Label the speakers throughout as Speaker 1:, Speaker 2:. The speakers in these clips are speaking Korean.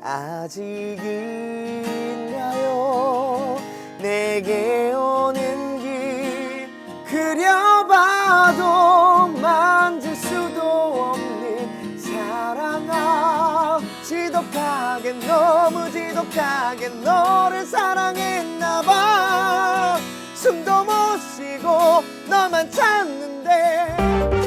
Speaker 1: 아직인가요? 내게 오는 길 그려봐도 만질 수도 없는 사랑아, 지독하게 너무 지독하게 너를 사랑했나봐. 숨도 못 쉬고 너만 찾는데.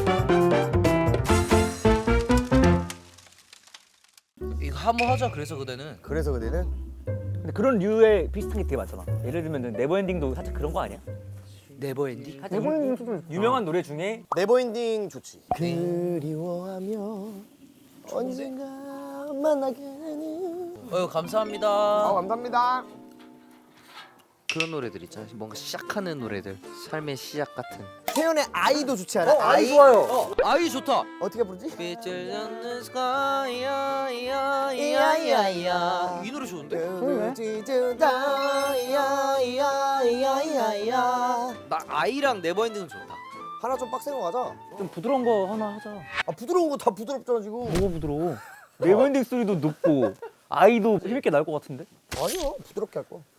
Speaker 2: 이거 한번 하자. 그래서 그대는.
Speaker 1: 그래서 그대는
Speaker 3: 근데 그런 류의 비슷한 게 되게 많잖아. 예를 들면 네버엔딩도 살짝 그런 거 아니야?
Speaker 2: 네버엔딩?
Speaker 3: 살짝 유명한 노래 중에
Speaker 1: 네버엔딩 좋지. 그리워하며 언젠가 만나게 되는.
Speaker 2: 감사합니다.
Speaker 1: 감사합니다.
Speaker 2: 그런 노래들 있잖아. 뭔가 시작하는 노래들. 삶의 시작 같은.
Speaker 1: 태연의 아이도 좋지 않아?
Speaker 3: 아이 좋아요.
Speaker 2: 아이 좋다.
Speaker 1: 어떻게 부르지?
Speaker 2: 빛을 젖는 스카이야
Speaker 1: 이야이야이야.
Speaker 2: 이 노래 좋은데?
Speaker 1: 이야이야이야.
Speaker 2: 나 아이랑 네버엔딩은 좋다.
Speaker 1: 하나 좀 빡센 거 가자.
Speaker 3: 좀 부드러운 거 하나 하자.
Speaker 1: 아 부드러운 거 다 부드럽잖아 지금.
Speaker 3: 뭐가 부드러워? 네버엔딩 소리도 높고 아이도 힘있게 나올 것 같은데?
Speaker 1: 아니요, 부드럽게 할 거.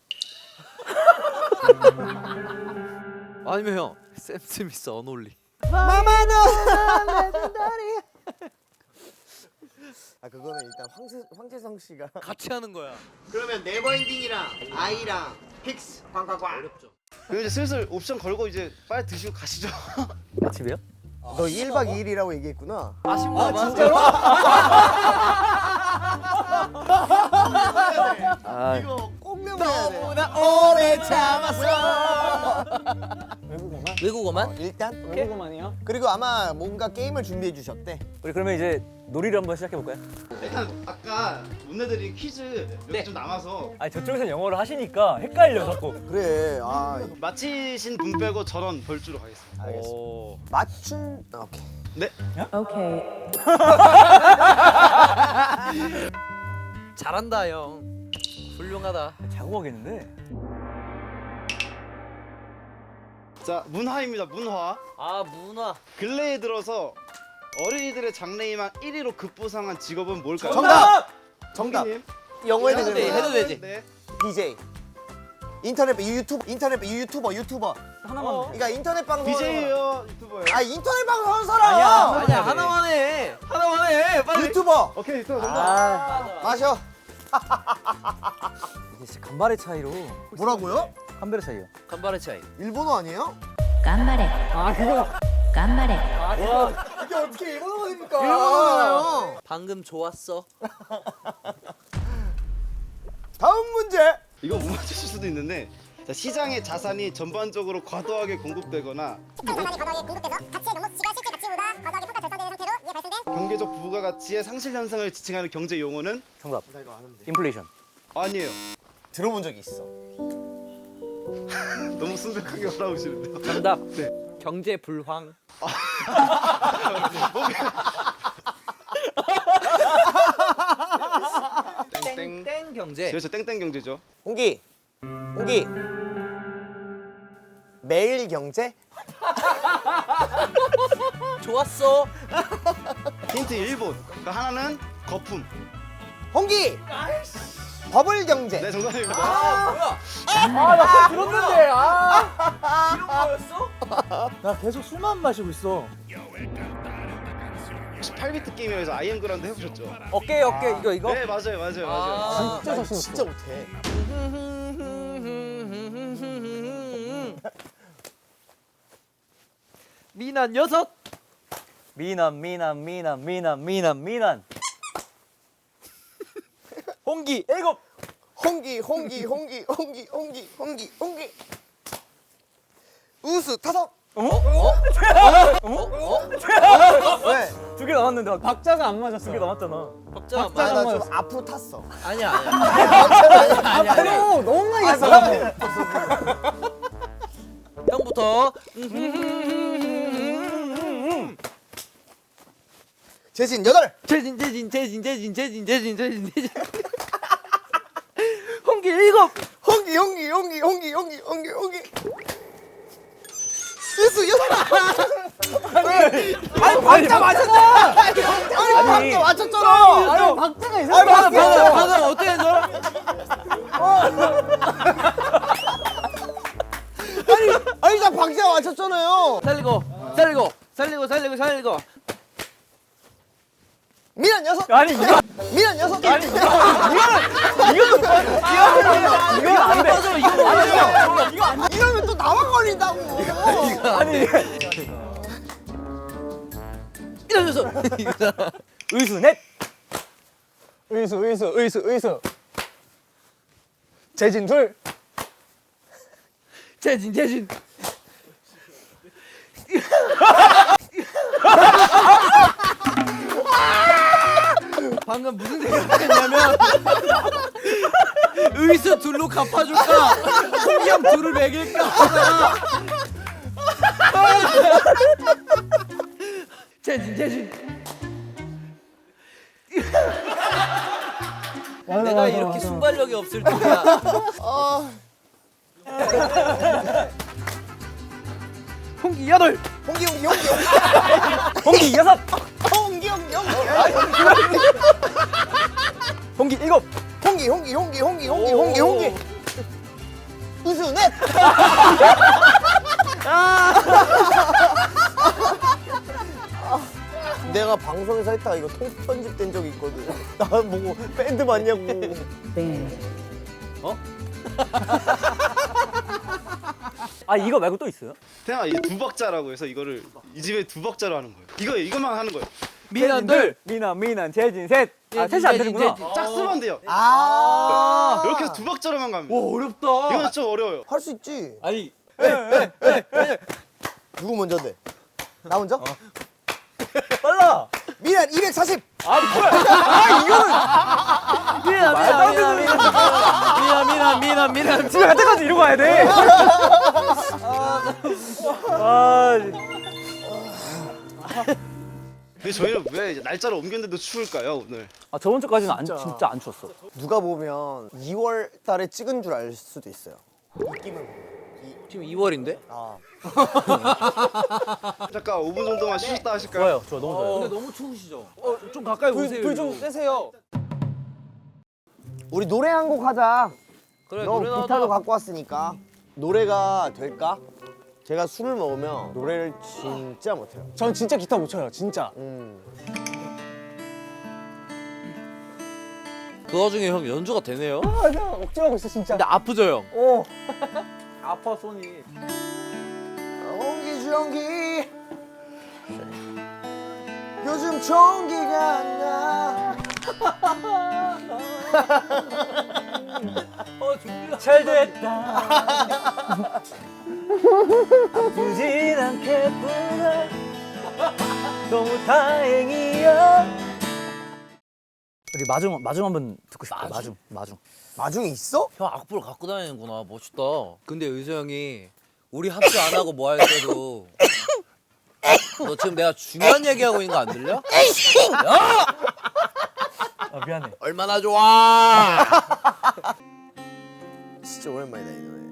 Speaker 2: 아니면 형, 샘 스미스 언홀리.
Speaker 1: 마마도 레전더리. 아 그거는 일단 황재성 씨가
Speaker 2: 같이 하는 거야.
Speaker 1: 그러면 네버엔딩이랑 아이랑 픽스 꽝꽝꽝.
Speaker 2: 어렵죠.
Speaker 4: 그리고 이제 슬슬 옵션 걸고 이제 빨리 드시고 가시죠.
Speaker 3: 아침이요?
Speaker 1: 너 1박 2일이라고 얘기했구나.
Speaker 2: 아쉽다.
Speaker 1: 진짜로?
Speaker 3: 아,
Speaker 1: 이거 꼭 메모해야 돼.
Speaker 2: 너무나 오래 참았어.
Speaker 3: 외국어만?
Speaker 2: 외국어만?
Speaker 1: 일단
Speaker 3: 외국어만이요?
Speaker 1: 그리고 아마 뭔가 게임을 준비해 주셨대.
Speaker 3: 우리 그러면 이제 놀이를 한번 시작해 볼까요?
Speaker 4: 일단 아까 못 내드린 퀴즈 몇 개 좀 남아서
Speaker 3: 아니 저쪽에서 영어를 하시니까 헷갈려 자꾸.
Speaker 1: 그래. 아
Speaker 4: 맞히신 분 빼고 전원 벌주로 가겠습니다.
Speaker 1: 알겠어.
Speaker 2: 오.
Speaker 1: 맞춘. 오케이.
Speaker 4: 네.
Speaker 5: Okay.
Speaker 2: 잘한다 형. 훌륭하다.
Speaker 3: 자고하겠는데?
Speaker 4: 자 문화입니다. 문화.
Speaker 2: 아 문화.
Speaker 4: 근래에 들어서 어린이들의 장래희망 1위로 급부상한 직업은 뭘까요?
Speaker 1: 정답. 정답.
Speaker 4: 형님.
Speaker 1: 영어에
Speaker 2: 해도 돼,
Speaker 1: 되는
Speaker 2: 해도 되지.
Speaker 4: 네.
Speaker 1: DJ. 인터넷 유튜버.
Speaker 3: 하나만.
Speaker 1: 그러니까 인터넷 방송.
Speaker 4: BJ예요, 유튜버예요.
Speaker 1: 아 인터넷 방송 하는 사람.
Speaker 2: 아니야 하나만 해. 하나만 해. 빨리.
Speaker 1: 유튜버.
Speaker 4: 오케이, 유튜버 정답.
Speaker 3: 아,
Speaker 1: 마셔.
Speaker 3: 이게 진짜 간발의 차이로.
Speaker 1: 뭐라고요?
Speaker 3: 간발의 차이요.
Speaker 2: 간발의 차이.
Speaker 1: 일본어 아니에요?
Speaker 5: 頑張れ
Speaker 3: 아 그거.
Speaker 5: 頑張れ
Speaker 1: 이게 어떻게 일본어가 됩니까?
Speaker 3: 아.
Speaker 1: 일본어잖아요.
Speaker 2: 방금 좋았어.
Speaker 1: 다음 문제.
Speaker 4: 이거 못 맞추실 수도 있는데 자, 시장에 자산이 전반적으로 과도하게 공급되거나
Speaker 6: 자산이 과도하게 공급돼서 가치의 명목치가 실제 가치보다 과도하게 평가 절상되는 상태로 이에 발생된
Speaker 4: 경제적 부가가치의 상실 현상을 지칭하는 경제 용어는
Speaker 3: 정답. 인플레이션.
Speaker 4: 아니에요.
Speaker 1: 들어본 적이 있어.
Speaker 4: 너무 순백하게 올라오시는데요.
Speaker 2: 정답.
Speaker 4: 네.
Speaker 2: 경제 불황.
Speaker 4: 땡땡.
Speaker 2: 땡 경제.
Speaker 4: 그렇죠, 땡땡 경제죠.
Speaker 1: 홍기. 매일 경제?
Speaker 2: 좋았어.
Speaker 4: 힌트 1번. 그러니까 하나는 거품.
Speaker 1: 홍기. 버블 경제.
Speaker 4: 네, 정답입니다.
Speaker 2: 뭐야?
Speaker 3: 아나 들었는데.
Speaker 2: 이런 거였어?
Speaker 3: 나 계속 술만 마시고 있어.
Speaker 4: 혹시 8비트 게임에서 아이엠 그라운드 해보셨죠?
Speaker 3: 어깨 이거.
Speaker 4: 네, 맞아요.
Speaker 2: 아.
Speaker 1: 진짜 자신 진짜 못해.
Speaker 2: 미난 6.
Speaker 3: 미남. 홍기 7.
Speaker 1: 홍기. 우수 5. 왜?
Speaker 3: 2개 남았는데 박자가 안 맞았어. 2개 남았잖아.
Speaker 2: 박자
Speaker 1: 아,
Speaker 2: 맞아.
Speaker 1: 나 좀 앞으로 탔어.
Speaker 2: 아니야.
Speaker 1: 아니야.
Speaker 3: 너무 많이 갔어.
Speaker 2: 형부터.
Speaker 1: 재진 8.
Speaker 2: 재진. 홍기 7.
Speaker 1: 홍기. 우수 6. 아니 박자 맞췄잖아. 아니 박자 맞췄잖아.
Speaker 3: 아니 박자가 이상해.
Speaker 2: 방금 어떻게 살리고.
Speaker 1: 미란 녀석.
Speaker 3: 아니 이거
Speaker 1: 미란 녀석.
Speaker 3: 아니 이거 안 돼.
Speaker 2: 맞아 이거 맞아.
Speaker 3: 이거 안 돼.
Speaker 1: 이러면 또 나만 걸린다고.
Speaker 3: 아니
Speaker 2: 이러면서
Speaker 3: 의수 넷.
Speaker 1: 의수. 재진 둘.
Speaker 2: 재진. 방금 무슨 생각했냐면 의수 둘로 갚아줄까 홍경 둘을 먹일까 하다가 재진 내가 이렇게 순발력이 없을 줄이야.
Speaker 3: 홍기 여덟.
Speaker 1: 홍기.
Speaker 3: 홍기 여섯.
Speaker 1: 홍기.
Speaker 3: 홍기 일곱.
Speaker 1: 홍기. 의수 넷. 내가 방송에서 했다가 이거 통편집된 적이 있거든. 나 보고 밴드 맞냐고.
Speaker 3: 아 이거 말고 또 있어요?
Speaker 4: 태양아 이 두 박자라고 해서 이거를 이 집에 두 박자로 하는 거예요. 이것만 하는 거예요.
Speaker 2: 미난 둘.
Speaker 3: 미난 재진 셋. 아 셋이 안 되는구나.
Speaker 4: 짝수만 돼요.
Speaker 1: 아.
Speaker 4: 이렇게 해서 두 박자로만 갑니다.
Speaker 2: 와 어렵다.
Speaker 4: 이건 좀 어려워요.
Speaker 1: 할 수 있지.
Speaker 2: 아니
Speaker 1: 누구 먼저 돼? 나 먼저?
Speaker 3: 빨라.
Speaker 1: 미란 240.
Speaker 3: 아 뭐야? 아 이거는
Speaker 2: 미난
Speaker 3: 집에 갈 때까지 이러고 가야 돼. 아
Speaker 4: 근데 저희는 왜 이제 날짜를 옮겼는데도 추울까요 오늘?
Speaker 3: 저번 주까지는 진짜 안 추웠어.
Speaker 1: 누가 보면 2월 달에 찍은 줄 알 수도 있어요. 느낌을 보면.
Speaker 2: 지금 2월인데?
Speaker 1: 아.
Speaker 4: 잠깐 5분 정도만 쉬셨다 하실까요?
Speaker 3: 좋아 너무 좋아요.
Speaker 2: 근데 너무 추우시죠? 좀 가까이 오세요.
Speaker 1: 불좀 떼세요. 우리 노래 한 곡 하자.
Speaker 2: 그래
Speaker 1: 너
Speaker 2: 노래
Speaker 1: 기타도
Speaker 2: 나와도
Speaker 1: 갖고 왔으니까. 노래가 될까? 제가 술을 먹으면 노래를 진짜 못해요.
Speaker 7: 전 진짜 기타 못 쳐요, 진짜.
Speaker 2: 그 와중에 형 연주가 되네요?
Speaker 7: 아니야, 억지하고 있어, 진짜.
Speaker 2: 근데 아프죠 형?
Speaker 1: 오.
Speaker 3: 아파 손이.
Speaker 1: 옹기종기. 요즘 종기가 안 나.
Speaker 3: 잘 됐다. 아프진 않겠구나. 너무 다행이야. 우리 마중 한번 듣고 싶다. 마중.
Speaker 1: 마중이 있어?
Speaker 2: 형 악보를 갖고 다니는구나. 멋있다. 근데 의수 형이 우리 합주 안 하고 뭐 할 때도 너 지금 내가 중요한 얘기하고 있는 거 안 들려? 야!
Speaker 3: 아 미안해.
Speaker 2: 얼마나 좋아!
Speaker 1: 진짜 오랜만이다 이 노래.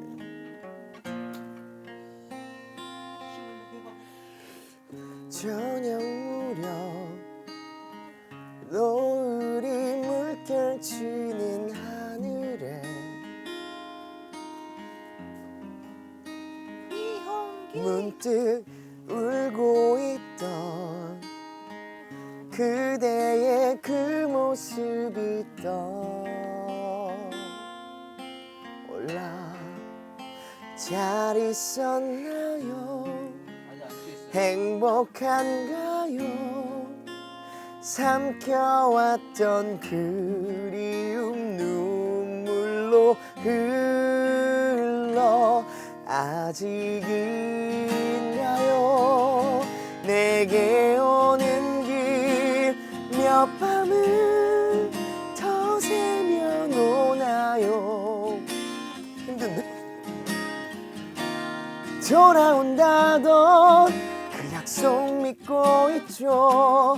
Speaker 1: 저녁 무렵 노을이 물결치는 하늘에 문득 울고 있던 그대의 그 모습이 떠올라. 잘 있었나요? 행복한가요? 삼켜왔던 그리움 눈물로 흘러 아직인가요? 내게 오는 길 몇 밤을 더 새면 오나요? 힘든데? 돌아온다던 그 약속 믿고 있죠.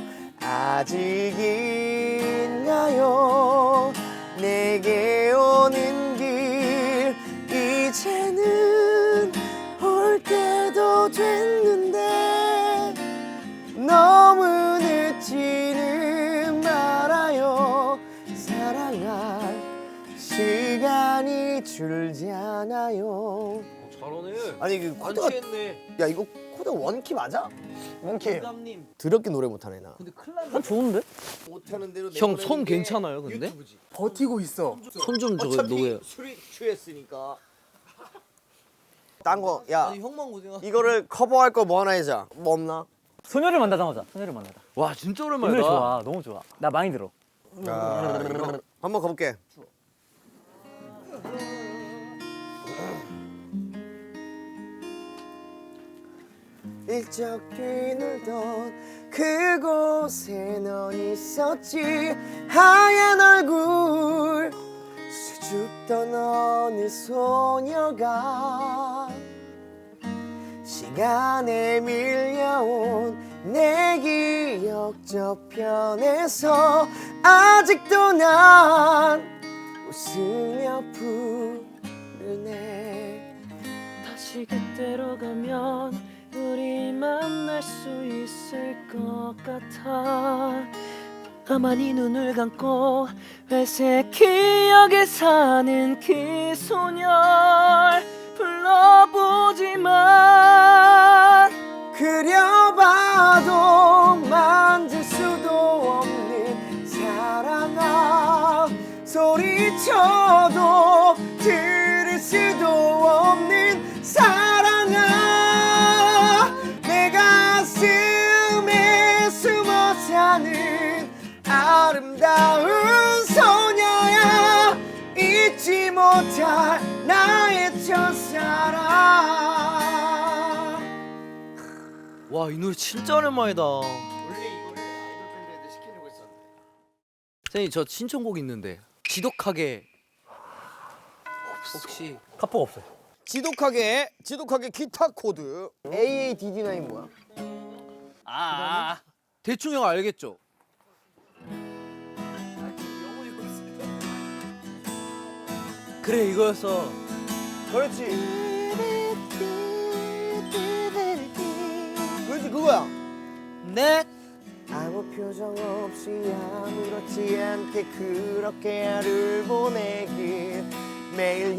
Speaker 1: 아직인가요? 내게 오는 길 이제는 올 때도 됐는데 너무 늦지는 말아요. 사랑할 시간이 줄잖아요.
Speaker 2: 잘하네.
Speaker 1: 아니 그 코드가
Speaker 2: 완치했네.
Speaker 1: 야 이거 코드 원키 맞아?
Speaker 7: 몽키예요.
Speaker 1: 더럽게 노래 못하네 나.
Speaker 3: 난 좋은데?
Speaker 1: 못하는 대로
Speaker 2: 형 손 괜찮아요 근데?
Speaker 7: 버티고 있어.
Speaker 2: 손 좀 저거 놓여.
Speaker 1: 술이 취했으니까. 딴 거, 야
Speaker 2: 아니 형만 고생하.
Speaker 1: 이거를 커버할 거 뭐 하나 해자. 뭐 없나?
Speaker 3: 소녀를 만나다 하자. 소녀를 만나다.
Speaker 2: 와 진짜
Speaker 3: 이
Speaker 2: 오랜만이다.
Speaker 3: 노래 좋아. 너무 좋아. 나 많이 들어.
Speaker 1: 한번 가볼게. 일적 뒤놀던 그곳에 넌 있었지. 하얀 얼굴 수줍던 어느 소녀가 시간에 밀려온 내 기억 저편에서 아직도 난 웃으며 부르네.
Speaker 8: 다시 그때로 가면 우리 만날 수 있을 것 같아. 가만히 눈을 감고 회색 기억에 사는 그 소녀를 불러보지만
Speaker 1: 그려봐도 만질 수도 없는 사랑아, 소리쳐도 들을 수도 없는 사랑아, 내 가슴에 숨어 사는 아름다운 소녀야, 잊지 못할 나의 첫사랑.
Speaker 2: 와 이 노래 진짜 오랜만이다.
Speaker 1: 원래 이거를 아이돌 밴드한테 시키려고 했었는데.
Speaker 2: 선생님 저 신청곡 있는데 지독하게 혹시
Speaker 3: 카포가 없어요.
Speaker 1: 지독하게 기타 코드. AADD9 뭐야?
Speaker 2: 대충 형 알겠죠? 그래 이거였어.
Speaker 1: 그렇지. 그렇지 그거야.
Speaker 2: 네.
Speaker 1: 아무 표정 없이 아무렇지 않게 그렇게 하루를 보내길 매일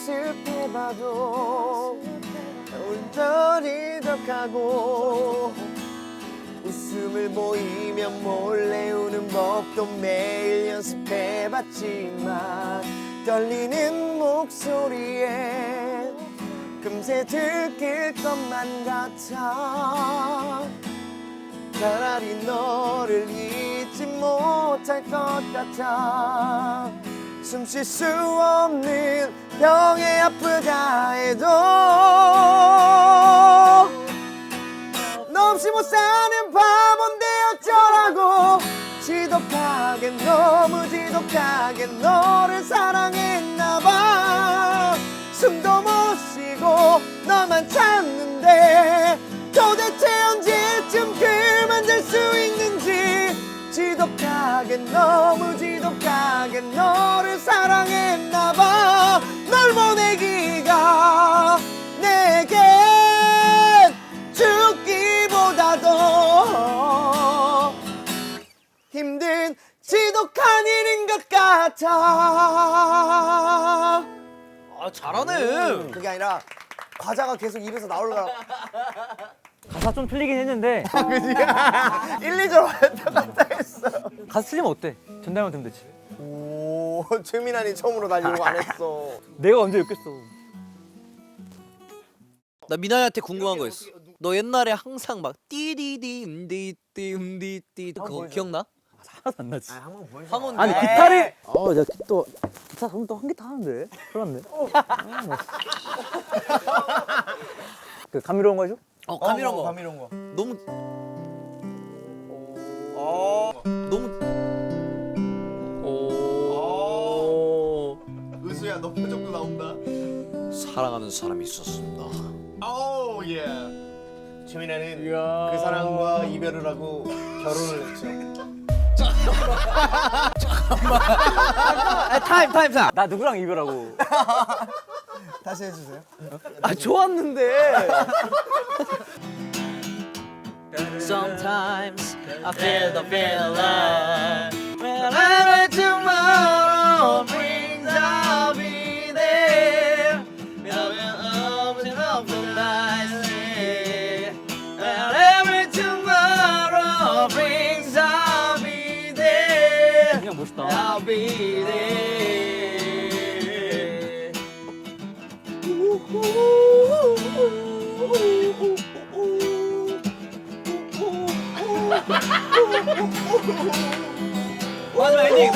Speaker 1: 연습해봐도 울적하고 웃음을 보이면 몰래 우는 법도 매일 연습해봤지만 떨리는 목소리에 금세 들킬 것만 같아. 차라리 너를 잊지 못할 것 같아. 숨 쉴 수 없는 병에 아프다 해도 너 없이 못 사는 바본데 어쩌라고. 지독하게 너무 지독하게 너를 사랑했나봐. 숨도 못 쉬고 너만 찾는데 도대체 언제쯤 그만 될 수 있는지. 지독하게 너무 지독하게 너를 사랑했나봐. 널 보내기가 내겐 죽기보다 더 힘든 지독한 일인 것 같아.
Speaker 2: 아 잘하네.
Speaker 1: 그게 아니라 과자가 계속 입에서 나오려고.
Speaker 3: 가사 좀 틀리긴 했는데
Speaker 1: 1, 2절 왔다 갔다 했어.
Speaker 3: 가사 틀리면 어때? 전달만 되면 되지.
Speaker 1: 오, 최민환이 처음으로 난 이런 거 안 했어.
Speaker 3: 내가 언제 욕했어?
Speaker 2: 나 미나리한테 궁금한 거 있어. 너 옛날에 항상 막 띠디디 음디띠 그거 기억나?
Speaker 3: 하나도 안 나지.
Speaker 1: 한번 보여줘.
Speaker 2: 황혼.
Speaker 3: 아니 기타를 내가 또 기타 그럼 또 한 기타 하는데 그렇네. 그 감미로운 거 해줘?
Speaker 2: 감이런 거.
Speaker 1: 감이런 거.
Speaker 2: 너무 너무
Speaker 1: 은수야, 너 표정도 나온다.
Speaker 2: 사랑하는 사람이 있었습니다.
Speaker 1: 오, 예. 최민아는 그 사람과 이별을 하고 결혼을 했죠.
Speaker 2: 타임.
Speaker 3: 나 누구랑 이별하고?
Speaker 1: 다시 해주세요.
Speaker 2: 아 좋았는데. Sometimes I feel the feeling. Whenever tomorrow brings, I'll be there. We'll be up the night. Whenever tomorrow.
Speaker 3: 마지막 엔딩.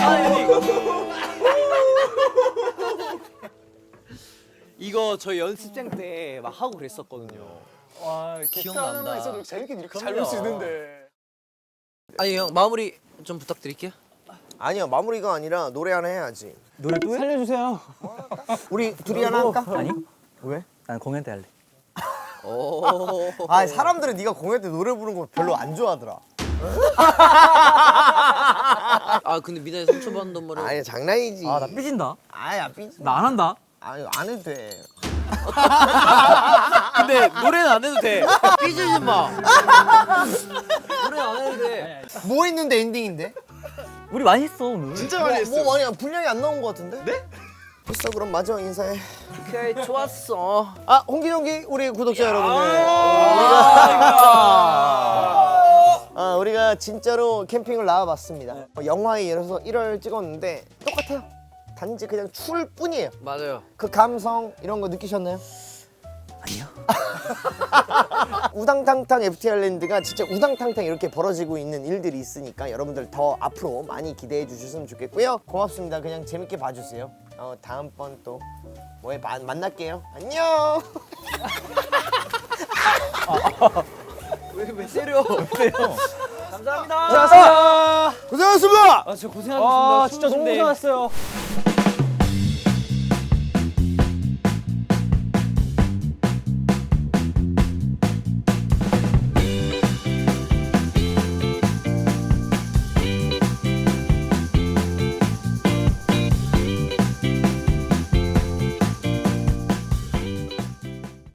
Speaker 2: 이거 저희 연습생 때 막 하고 그랬었거든요.
Speaker 7: 와, 기타 하나만
Speaker 2: 기억난다.
Speaker 7: 있어도 재밌게 이렇게 잘
Speaker 2: 그럼요.
Speaker 7: 놀 수 있는데.
Speaker 2: 아니 형 마무리 좀 부탁드릴게요.
Speaker 1: 아니야 마무리가 아니라 노래 하나 해야지.
Speaker 3: 노래 또 해?
Speaker 7: 살려주세요.
Speaker 1: 우리 둘이 하나 할까?
Speaker 3: 아니?
Speaker 1: 왜?
Speaker 3: 난 공연 때 할래.
Speaker 2: 오.
Speaker 1: 아 사람들은 네가 공연 때 노래 부르는 거 별로 안 좋아하더라.
Speaker 2: 아 근데 미나이 상처받는 말을.
Speaker 1: 아니 장난이지.
Speaker 3: 아 나 삐진다.
Speaker 1: 아야 삐지.
Speaker 3: 나 안 한다.
Speaker 1: 아니 안 해도 돼.
Speaker 2: 근데 노래는 안 해도 돼. 삐지지 마. 노래는 안 해도 돼.
Speaker 1: 뭐 했는데 엔딩인데?
Speaker 3: 우리 많이 했어 오늘.
Speaker 4: 진짜 많이 했어.
Speaker 1: 뭐 많이 분량이 안 나온 거 같은데? 네? 됐어 그럼 마지막 인사해.
Speaker 2: 오케이 좋았어.
Speaker 1: 아 홍기동기 우리 구독자 여러분들. 우리가 진짜로 캠핑을 나와봤습니다. 영화에 이어서 1월 찍었는데 똑같아요. 단지 그냥 추울 뿐이에요.
Speaker 2: 맞아요.
Speaker 1: 그 감성 이런 거 느끼셨나요?
Speaker 3: 아니요.
Speaker 1: 우당탕탕 FTR랜드가 진짜 우당탕탕 이렇게 벌어지고 있는 일들이 있으니까 여러분들 더 앞으로 많이 기대해 주셨으면 좋겠고요. 고맙습니다. 그냥 재밌게 봐주세요. 다음번 또 뭐에 만날게요. 안녕.
Speaker 2: 왜 때려?
Speaker 3: 감사합니다.
Speaker 1: 고생하셨습니다.
Speaker 3: 아 진짜 고생하셨습니다.
Speaker 7: 아, 진짜 너무 고생하셨어요.